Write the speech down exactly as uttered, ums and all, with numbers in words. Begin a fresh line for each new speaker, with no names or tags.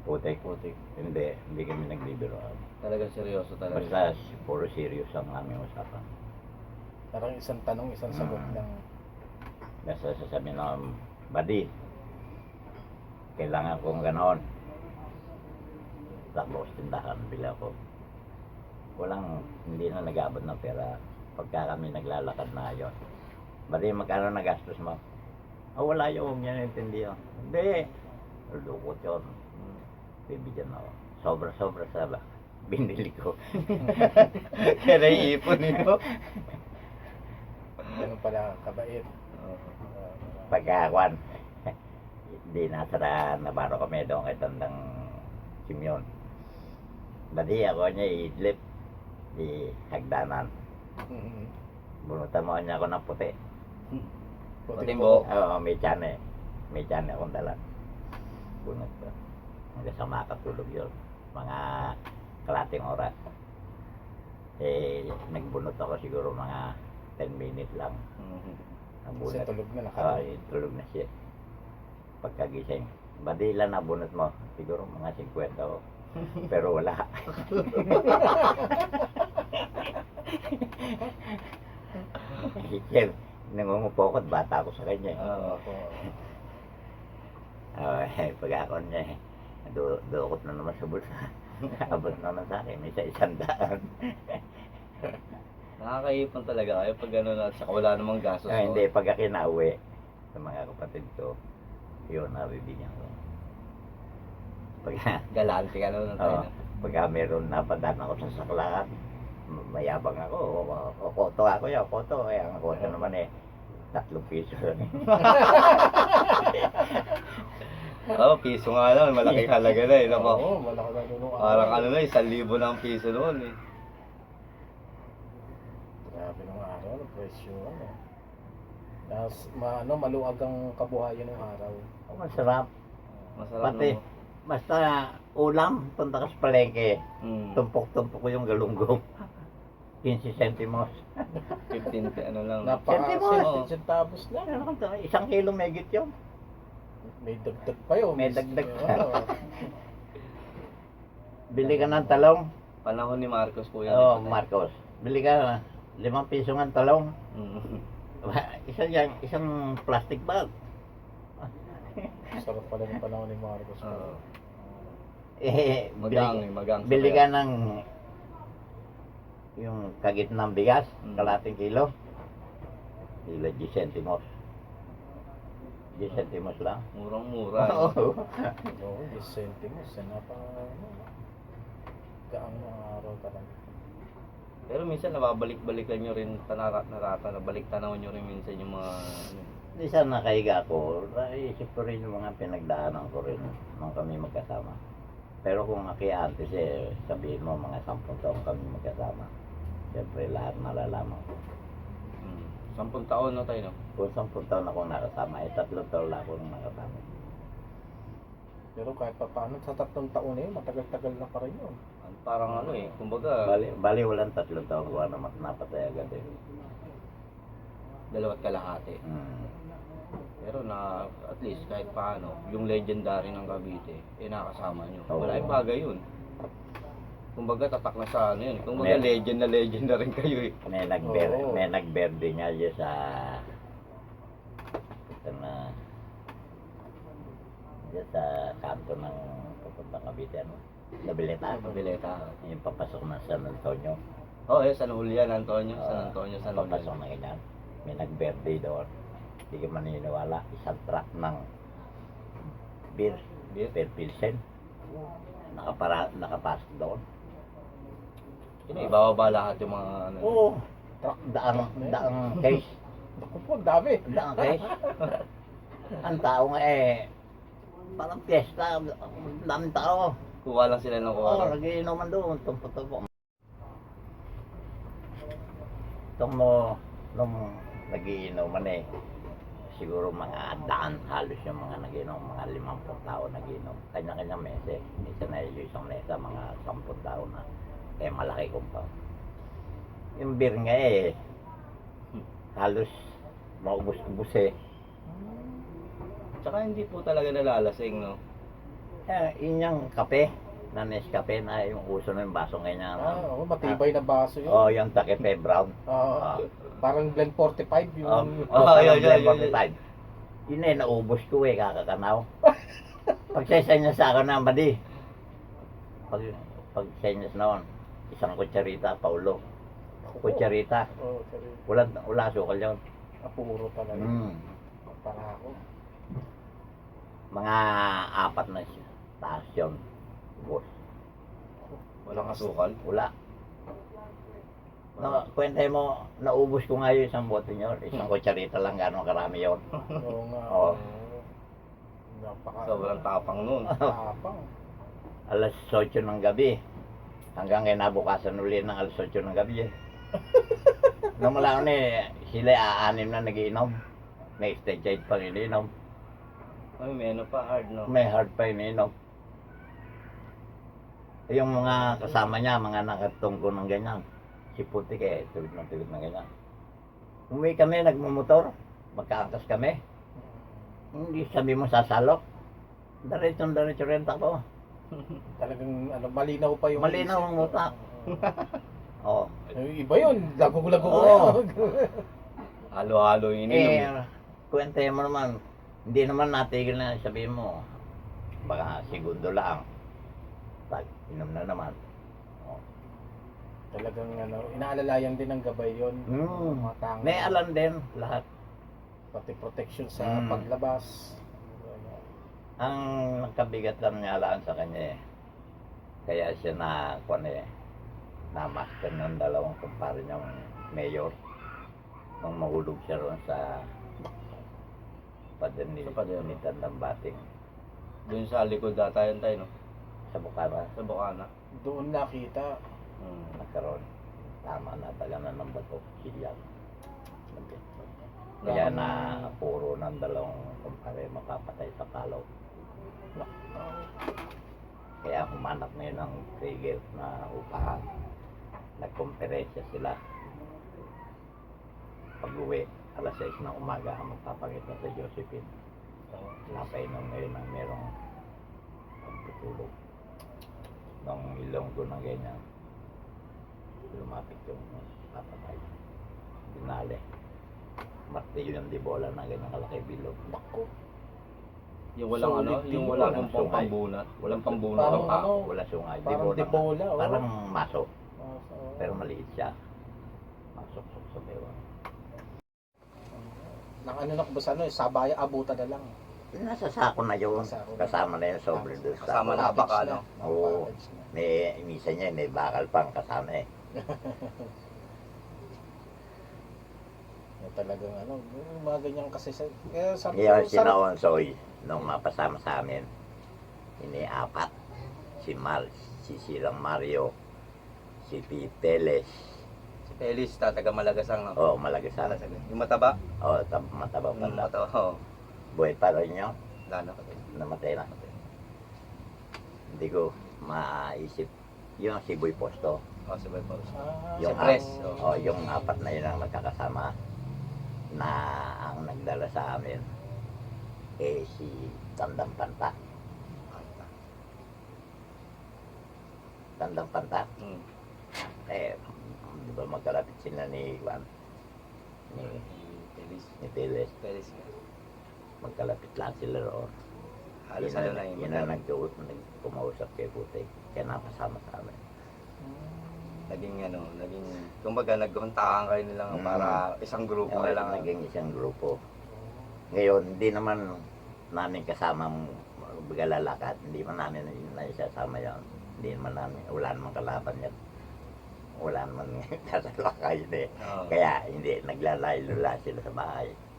Putik.
Putik.
Hindi, hindi kami nagbibiroan.
Talagang seryoso talaga.
Basta puro serious ang aming usapan.
Parang isang tanong, isang sagot
Mm.
lang.
Basta sasabihin ng buddy, kailangan kong ganoon. Tapos tindahan, bila ko. Walang, hindi na nag-abot ng pera pagka kami naglalakad na yun. Buddy, magkano nagastos mo? Oh, wala yun, huwag niya naintindihan. Hindi, lukot yun. Bibigyan ako. Sobra-sobra sa binili ko. Kaya naiipon nito.
Ganun pala kabait.
Oo.
Uh,
Pagkakuan, di nasa na baro kami doon kay Tandang Simyon. Badi ako niya idlip di hagdanan.
mm,
Bunutan mo niya ako ng puti.
Puting buhok.
Oo, may tiyan eh. May tiyan akong dala. Bunot ko. Hanggang sa makatulog yun. Mga kalating oras. Eh, nagbunot ako siguro mga ten minutes lang.
Mhm.
Ang
Kasi
bunot.
tulog na,
Oo,
nakatulog.
eh, tulog na siya. Pagkagising. Badi ilan na bunot mo? Siguro mga fifty ko. Pero wala. Sir, nangungupokot, bata ako sa kanya.
Oo.
Ako,
Oh, eh, pag ako niya, eh, du dukot na naman sa bulsa. Abot naman sa akin, may sa isang daan.
Nakakaipon talaga kayo pag gano'n at saka wala namang gastos.
Ah, hindi, pag ako nauwi sa mga kapatid ko, yun, nabibigyan ko. Pag,
Galante ka naman tayo.
oh, pagka meron napadaan ako sa saklakan, mayabang ako, o, o, koto ako yan, koto. Eh, ang koto naman eh, tatlong piso.
Oo, piso nga lang. Malaking halaga na eh.
oo,
Naku.
malaki na doon. nung
Parang
araw.
ano na, isang libo na ang piso noon eh.
Grabe nung araw, ang presyo. Ano. Tapos, ma, ano, maluwag ang kabuhayan ng araw.
Oh, masarap.
Masarap
Pati,
naman.
basta ulam, punta ka sa palengke,
Mm.
tumpok-tumpok ko yung galunggong. fifteen centimos.
fifteen, ano lang.
Napaka
Centimos.
centavos lang.
Ano ka to? Isang kilo megit yun.
May dagdag pa yun.
May dagdag pa.
Oo.
Bili ka ng talong.
Panahon ni Marcos po yan.
Oh,
eh.
Marcos. Bili ka limang piso ng talong.
Mm.
Isang yan, isang plastic bag.
Sarap pala ng panahon ni Marcos.
Oo.
Eh,
Magang,
bili,
eh, magang. sa
bili
kaya.
ka ng yung kagitnang bigas,
Mm.
kalating kilo. Kilo ten centimos. ten centimos lang.
Murang-mura. eh.
Oo.
Oo, ten centimos. Yan, napaka, ano, gaang ng araw talaga.
Pero minsan nababalik-balikan nyo rin tanarat narata, nabalik tanaw nyo rin minsan yung mga ano.
Di sana nakahiga ko, naisip ko rin yung mga pinagdaanan ko rin nung kami magkasama. Pero kung aki-antes eh, sabihin mo mga sampung taon kami magkasama. Siyempre lahat malalaman ko.
Mm. Sampung taon na tayo, no?
Kung sampung taon akong nakasama, eh tatlong taon lang akong nakasama.
Pero kahit pa paano, sa tatlong taon na yun, matagal-tagal na pa rin yun.
Parang ano eh, kumbaga,
Bali, bali walang tatlong taon ko na napatay agad eh.
dalawat kalahati.
Hmm.
Pero na, at least kahit paano, yung legendary ng Cavite, eh nakasama nyo.
Oo.
Wala yung bagay yun. Kumbaga tatak na sa ano yun. Kumbaga
Mer-
legend na legend na rin kayo eh.
May nagber
Oo.
may nagberde nga dyan sa sa na dyan sa kanto ng papuntang Cavite ano. Nabilita.
Pabileta.
Yung papasok ng San Antonio.
Oh, eh, San Julian, Antonio. San
Ah,
Antonio, San
papasok
Julian.
na ganyan. May nagberde doon. Hindi ka maniniwala. Isang truck ng beer.
Beer?
Beer Pilsen. Nakapara, nakapasok doon.
Yun, eh, ibababa lahat yung mga ano.
Oo. Truck, daang, daang case.
Ako po, ang dami.
Daang case. Ang tao nga eh, parang piyesta. Ang daming tao.
Kuha lang sila ng kuha.
Oo, nagiinuman doon. Tumpo-tumpo. Itong mo, nung nagiinuman eh, siguro mga daan halos yung mga nagiinom, mga limampung tao nagiinom. Kanya-kanya mese. Minsan na yung isang mesa, mga sampung tao na. Kaya malaki kumpa. Yung beer nga eh, halos maubos-ubos eh.
Tsaka hindi po talaga nalalasing, no?
Eh, yun yung kape, na Nescafe na yung uso ng baso ganyan.
Ah, oo, matibay na baso yun.
Oh, yung Takepe Brown.
Ah,
Ah.
parang Blend forty-five yung...
Oh,
Oh,
oh,
yun,
yun,
yun, yun,
forty-five. Yun eh, naubos ko eh, kakakanaw. Pagsesenyas sa akin ng badi. Pag, pagsenyas noon, isang kutsarita, Paulo. Kutsarita.
Oo, sorry.
Wala, wala sukal yun.
Apuro talaga.
Mm.
Para ako.
Mga apat na siya. Taas yun. Boss.
Walang asukal.
Wala. No, kwentay mo, naubos ko nga yung isang bote nyo. Isang kutsarita lang, gano'ng karami yun.
Oo nga.
Oo.
oo. Napaka...
Sobrang tapang nun.
Tapang.
Alas eight ng gabi. Hanggang kinabukasan uli ng alas eight ng gabi eh. Nung mula ko na eh, sila aanim na nagiinom. May stage eight pang ininom.
Ay, may ano pa, hard, no?
May hard pa ininom. Yung mga kasama niya, mga nakatungko ng ganyan. Si Putik eh, tulid ng tulid ng ganyan. Umuwi kami, nagmumotor. Magkaangkas kami. Hindi sabi mo sasalok. Diretso diretso rin ako.
Talagang ano, malinaw pa yung...
Malinaw ang utak. Oo.
Yung iba yun, lago-lago ko
Oo.
yun.
Halo-halo yung ininom.
Eh, kwente mo naman, hindi naman natigil na sabihin mo. Baka segundo lang. Tag, inom na naman. Oh.
Talagang ano, inaalalayan din ng gabay yun.
Mm.
Mga tango.
May alam din lahat.
Pati protection sa
Mm.
paglabas.
Ang nagkabigat lang niya alaan sa kanya eh. Kaya siya na, kung eh, na-master ng dalawang kumpare niyang mayor. Nung mahulog siya roon sa pader ni,
Sa pader.
ni Tandang Bating.
Doon sa likod data yun tayo, no?
Sa Bukara,
Sa Bukana.
Doon nakita.
Hmm.
nagkaroon. Tama na talaga ng bato. Silyang. Kaya na puro ng dalawang kumpare mapapatay sa kalaw. Kaya humanap ngayon ng trigger na upahan. Nagkomperesya sila. Pag-uwi, alas sais ng umaga, magpapakita sa Josephine. Napainom ngayon ng merong pagtutulog. Nung ilong ko ng ganyan, lumapit yung papatay. Dinali. Martilyo yung dibola na ganyan kalaki bilog.
Bako.
Yung walang
Solid
ano,
din,
yung walang
walang
pang
sungay.
pambunat. Walang pambunat.
Parang
Ah,
ano,
wala sungay.
parang
Dibola.
dibola, oh.
Parang maso.
Ah, so-
Pero maliit siya. Masok sa bewa.
Nang ano na ba ano, sabaya abutan na lang.
Nasa sako na yun.
Nasa sako na.
Kasama na yung sobre doon sa
Kasama na. baka, ano?
Oo.
Package na.
May misa niya, may bakal pang kasama eh.
Na talagang ano, yung mga ganyan kasi sa... Kaya sabi
Ngayon
ko,
si
sarap-
Naonsoy, nung mapasama sa amin, ini-apat. Si Mal, si Silang Mario, si Piteles,
Si Pelis, tataga Malagasang, no?
oh, malagasan.
Yung mataba?
Oh, tab mataba pa
Yung
na.
mataba, oo.
Buhay pa rin yun,
Wala na kasi.
namatay na. Hindi ko maisip. Yung si Boy Posto,
Oh, si Boy Paus.
Ah,
yung,
Si Pres,
ap-
oh.
oh, yung apat na yun ang magkakasama na ang nagdala sa amin eh si Tandang Panta. Tandang Panta.
Hmm.
Eh, di ba magkalapit sila ni Juan? Ni,
Pelis.
ni Piles.
Pelis nga.
Magkalapit lang sila roon.
Halos
Yun
ano
na-
na yung
Yun na nagtuot, nagkumausap kay Puti. Kaya napasama sa amin.
naging ano, naging, kumbaga naghuntahan kayo nilang
Mm.
para isang grupo
Yung
na lang.
naging isang grupo. Ngayon, hindi naman namin kasama lalakad. Hindi man namin naisasama yan. Hindi naman namin, wala naman kalaban yan. Wala naman kasalakay eh.
Oo.
Kaya hindi, naglalaylo sila sa bahay.